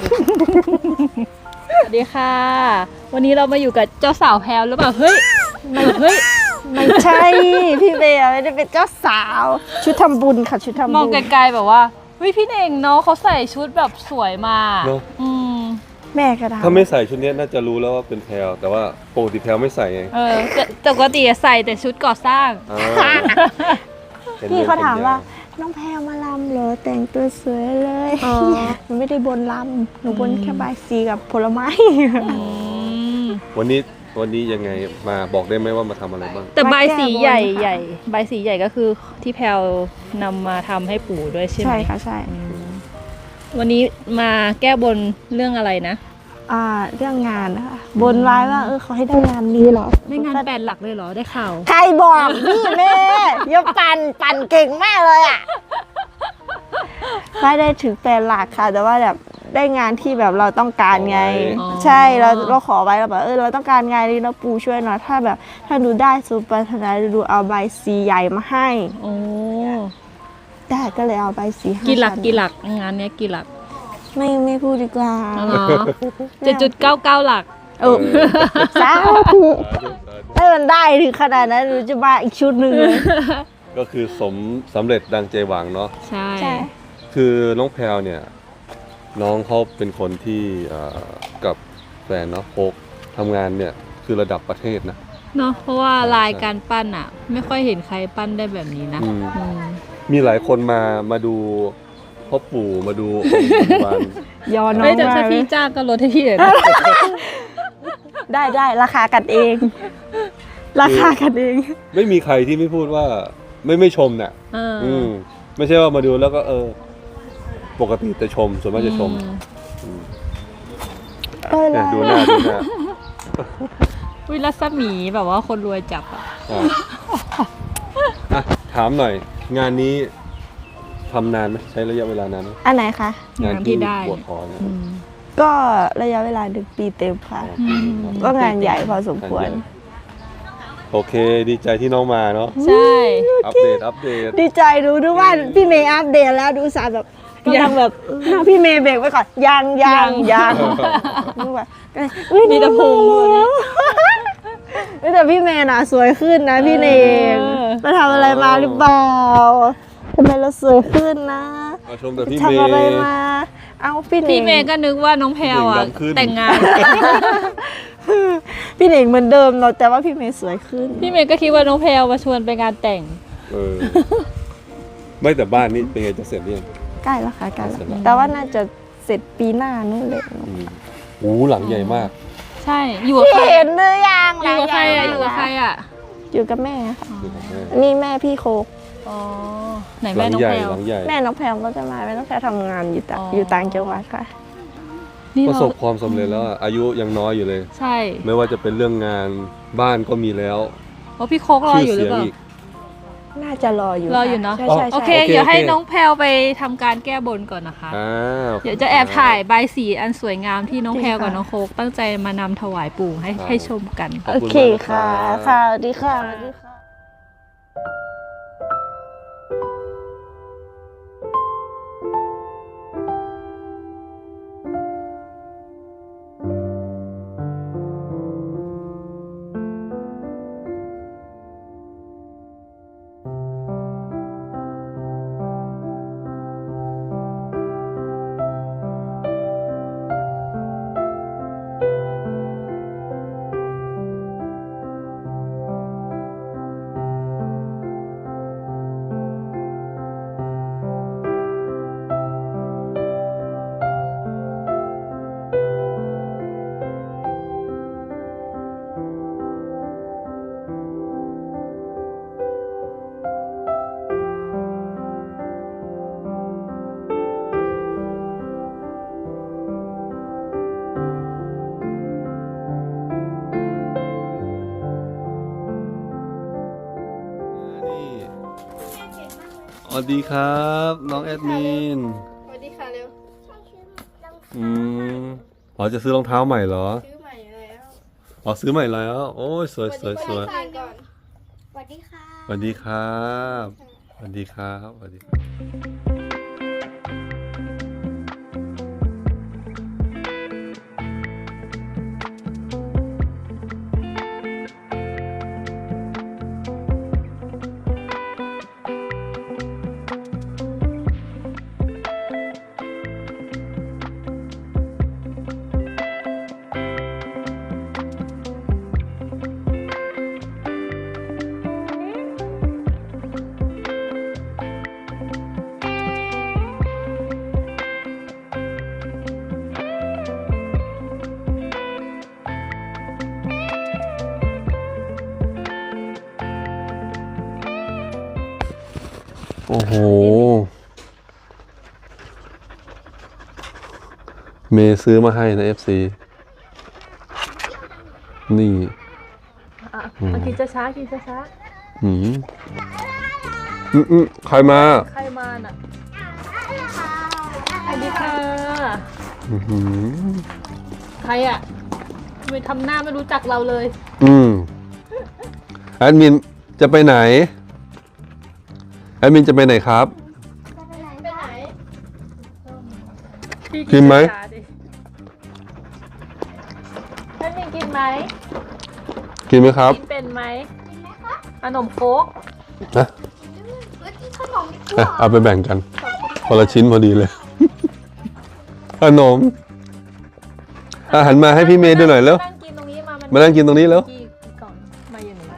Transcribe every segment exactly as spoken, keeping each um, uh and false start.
สวัสดีค่ะวันนี้เรามาอยู่กับเจ้าสาวแพลวหรือเปล่าเฮ้ยไม่เฮ้ยไม่ใช่พี่เบย์ไม่ได้เป็นเจ้าสาวชุดทำบุญค่ะชุดทำบุญมองไกลๆแบบว่าเฮ้ยพี่เน่งเนาะเขาใส่ชุดแบบสวยมาอืมแม่ก็ได้ถ้าไม่ใส่ชุดนี้น่าจะรู้แล้วว่าเป็นแพลวแต่ว่าปกติแพลวไม่ใส่ไงเออแต่ปกติใส่แต่ชุดก่อสร้างพี่เขาถามว่าน้องแพรมาลำเหรอแต่งตัวสวยเลยหนูไม่ได้บนลำหนูบนแค่ใบสีกับผลไม้วันนี้วันนี้ยังไงมาบอกได้ไหมว่ามาทำอะไรบ้างแต่ใบสีใหญ่ใหญ่ใบสีใหญ่ก็คือที่แพลวนำมาทำให้ปู่ด้วยใช่ไหมใช่ค่ะใช่วันนี้มาแก้บนเรื่องอะไรนะอ่าเรื่องงานนะคะบนไว้ว่าเออเขาให้ได้งานนี้เหรอได้งานแปดหลักเลยเหรอได้ข่าวใครบอกพี่เมย์ยกปั่นปั่นเก่งมากเลยอ่ะไม่ได้ถึงแปดหลักค่ะแต่ว่าแบบได้งานที่แบบเราต้องการไงใช่เราเราขอไว้เราแบบเออเราต้องการงานนี้นะปูช่วยหน่อยถ้าแบบถ้าดูได้สุปรารถนาดูเอาใบสีใหญ่มาให้โอ้ได้ก็เลยเอาใบสีกี่หลักกี่หลักงานนี้กี่หลักไม่ไม่พูดดีกว่าเจ็ดจุดเก้าเก้าหลักโอ้สาธุถ้ามันได้ถึงขนาดนั้นหนูจะมาอีกชุดหนึ่งเลยก็คือสมสำเร็จดังใจหวังเนาะใช่คือน้องแพลวเนี่ยน้องเขาเป็นคนที่กับแฟนเนาะโคกทำงานเนี่ยคือระดับประเทศนะเนาะเพราะว่าลายการปั้นอ่ะไม่ค่อยเห็นใครปั้นได้แบบนี้นะมีหลายคนมามาดูพ่อปู่มาดูวันยอน้องไม่จะถ้าพี่จ้างก็ลดให้พี่เลยได้ได้ราคากันเอง ราคากันเองไม่มีใครที่ไม่พูดว่าไม่ไม่ชมเนี่ยอืมไม่ใช่ว่ามาดูแล้วก็เออปกติจะชมส่วนมากจะชมเนี่ยดูหน้าดูหน้าวิรัศมีแบบว่าคนรวยจับอ่ะอ่ะถามหน่อยงานนี้ทำนานไหมใช้ระยะเวลานานไหมอันไหนคะงานที่ได้ปวดคอเนี่ยก็ระยะเวลาหนึ่งปีเต็มค่ะก็งานใหญ่พอสมควรโอเคดีใจที่น้องมาเนาะใช่อัปเดตอัปเดตดีใจดูดูว่าพี่เมย์อัปเดตแล้วดูสารแบบยังแบบพี่เมย์เบรกไว้ก่อนยังยังยังดูแบบมีแต่พุงเลยแต่พี่เมย์น่ะสวยขึ้นนะพี่เนงไปทำอะไรมาหรือเปล่าทำไมเราสวยขึ้นนะชมแต่พี่เมย์ทำอะไรมาเอาพี่เนงพี่เมย์ก็นึกว่าน้องแพลวอ่ะแต่งงานพี่เนงเหมือนเดิมเนาะแต่ว่าพี่เมย์สวยขึ้นพี่เมย์ก็คิดว่าน้องแพลวมาชวนไปงานแต่งเออไม่แต่บ้านนี้เป็นไงจะเสร็จหรือยังใกล้แล้วค่ะใกล้แล้วแต่ว่าน่าจะเสร็จปีหน้านู่นเลยโอ้หลังใหญ่มากใช่อยู่กับใครเห็นหรือยังอยู่กับใครอ่ะอยู่กับใครอ่ะอยู่กับแม่ค่ะนี่แม่พี่โคกอ๋อไหนแม่น้องแพลวแม่น้องแพลวก็จะมาแม่น้องแพลวทำงานอยู่ต่างอยู่ต่างจังหวัดค่ะประสบความสำเร็จแล้วอายุยังน้อยอยู่เลยใช่ไม่ว่าจะเป็นเรื่องงานบ้านก็มีแล้วโอ้พี่โคกรออยู่หรือเปล่าน่าจะรออยู่รออยู่เนาะโอเคเดี๋ยวให้น้องแพลวไปทำการแก้บนก่อนนะคะเดี๋ยวจะแอบถ่ายใบสีอันสวยงามที่น้องแพลวกับน้องโคกตั้งใจมานำถวายปู่ให้ให้ชมกันโอเคค่ะค่ะสวัสดีค่ะสวัสดีค่ะสวัสดีครับน้องแอดมินสวัสดีค่ะเร็วอืมพอจะซื้อรองเท้าใหม่เหรอซื้อใหม่แล้วอ๋อซื้อใหม่แล้วโอ้ยสวยสวยสวยสวัสดีค่ะสวัสดีครับสวัสดีครับสวัสดีครับโอ้โหเมย์ซื้อมาให้นะ เอฟ ซี นี่อ่ะเอากินช้าๆกินช้าหืมอืมอืมใครมาๆใครมาน่ะสวัสดีค่ะอื้อหือใครอ่ะทำไมทำหน้าไม่รู้จักเราเลยอืมแอดมินจะไปไหนแอดมินจะไปไหนครับไปไหนพี่กินไหมช้าๆดิท่านมินกินไหมกินไหมครับกินเป็นไหมกินไหมคะขนมโค้กนะเฮ้ยกินขนมดีกอ่ะว่าเอาไปแบ่งกันคนละชิ้นพอดีเลย ขนมอาหันมาให้พี่เมย์ดูหน่อยแล้วนั่งกินตรงนี้มามันมานั่งกินตรงนี้แล้วกี่กล่องมาอย่างนี้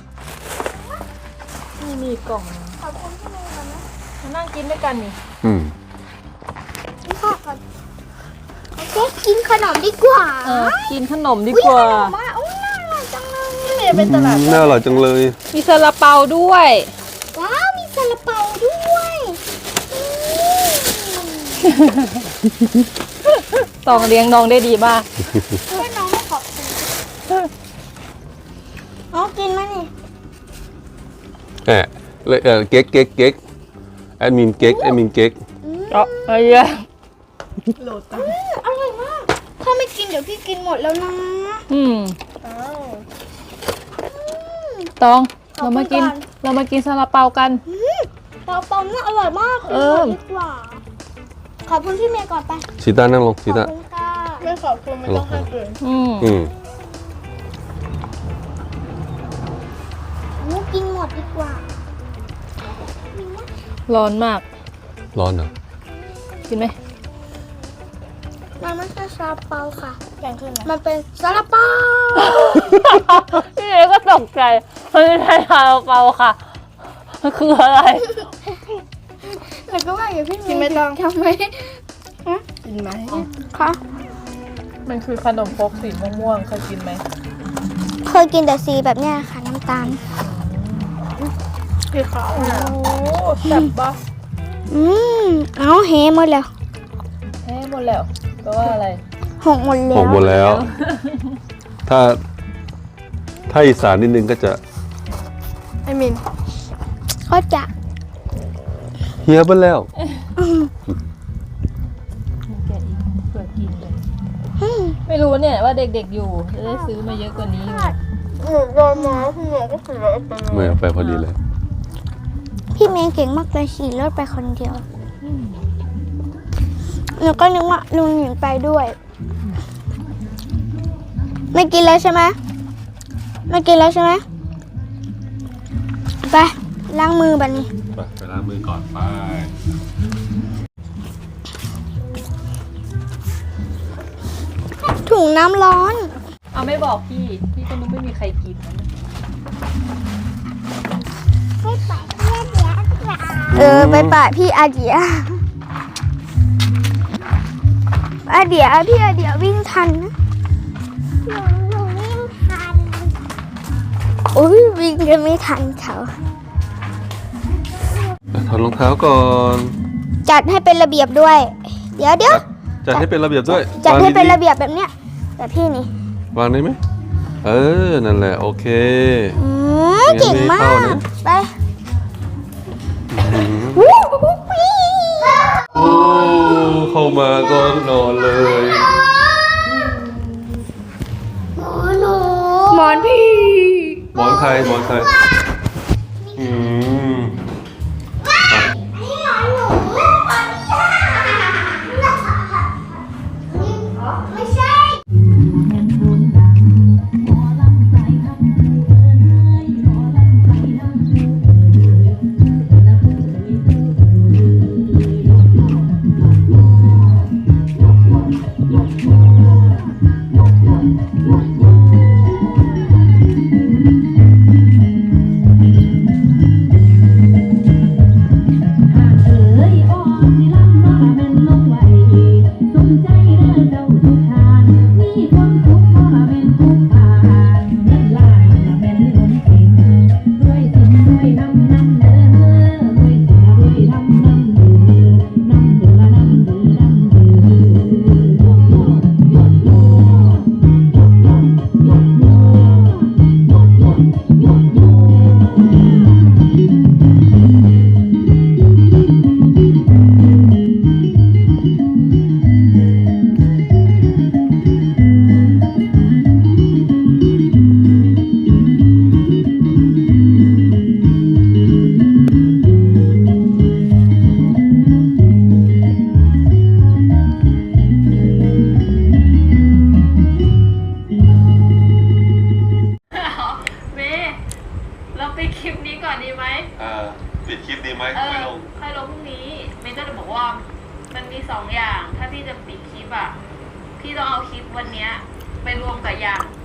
นี่มีกล่องขอบคุณที่มาก่อนนะมานั่งกินด้วยกันนี่อืมกินข้าวก่อนโอเคกินขนมดีกว่าเออกินขนมดีกว่าขนมอ่ะโอ้ยน่าอร่อยจังเลยนี่เป็นตลาดน่าอร่อยจังเลยมีซาลาเปาด้วยว้าวมีซาลาเปาด้วยอืมตองเลี้ยงน้องได้ดีมากช่วยน้องให้ขอบคุณน้องกินไหมนี่แอะเลยเออเก๊กเก๊กเก๊กแอดมินเก๊กแอดมินเก๊กอ๋อไอ้เหี้ยอืมอร่อยมากถ้าไม่กินเดี๋ยวพี่กินหมดแล้วนะอืมอ้าวตองขอบเราคุณมากินก่อนเรามากินซาลาเปากันเปาเปาน่าอร่อยมากเออกินหมดดีกว่า ขอบคุณพี่เมย์ก่อนไปชีต้านั่งลงขชีอบต้าคุณค่ะไม่ขอบคุณไม่ต้องให้กินอืมอืมหนูกินหมดดีกว่าร้อนมากร้อนเหรอกินไหมมันไม่ใช่ซาลาเปาค่ะอย่างคือมันเป็นซาลาเปาพี่เอก็ตกใจมันไม่ใช่ซาลาเปาค่ะมันคืออะไรแต่ก็ว่าอย่างพี่เมย์ไม่ต้องทำไหมกินไหมค่ะมันคือขนมครกสีม่วงๆเคยกินไหมเคยกินแต่สีแบบเนี้ยค่ะน้ำตาลคือขาวโอ้แซ่บปะอืมเอาเฮหมดแล้วแห้หมดแล้วแปลว่าอะไรหกหมดแล้หวกหมดแล้ว ถ้า ถ้าอีสานนิดนึงก็จะไอมินก็จะเฮียไปแล้วแกะอีกเผื่อกินเลยไม่รู้เนี่ยว่าเด็กๆอยู่จะได้ซื้อมาเยอะกว่านี้อยู่หนูโดนมาพี่เมย์ก็คือรถไปเมื่อไปพอดีเลยพี่เมย์เก่งมากเลยขี่รถไปคนเดียวหนูก็นึกว่าลุงหญิงไปด้วย ไม่กินแล้วใช่ไหมไม่กินแล้วใช่ไหมไปล้างมือบัดนี้ไปไปล้างมือก่อนไปถุงน้ำร้อนเอาไม่บอกพี่พี่ก็นึกไม่มีใครกินนะเออไปป่าพี่อาเดียอาเดียพี่อาเดียวิ่งทันนะหนูหนูวิ่งทันโอ้ยวิ่งจะไม่ทันเขาถอดรองเท้าก่อนจัดให้เป็นระเบียบด้วย เดี๋ยวเดี๋ยวจัดให้เป็นระเบียบด้วยจัดให้เป็นวางระเบียบแบบเนี้ยแบบพี่นี่ๆวางได้ไหมเออ นั่นแหละ โอเคอืมเก่งมางั้นไม่เข้าก นะไปโอ้เข้ามาก็นอนเลยหมอนพี่หมอนใครหมอนใครอืมไม่ใช่ไหมเอไม่อลงค่อยลงพรุ่งนี้เมย์ก็จะบอกว่ามันมีสองอย่าง ถ้าพี่จะปิดคลิปอ่ะ พี่ต้องเอาคลิปวันเนี้ยไปรวมกับอย่าง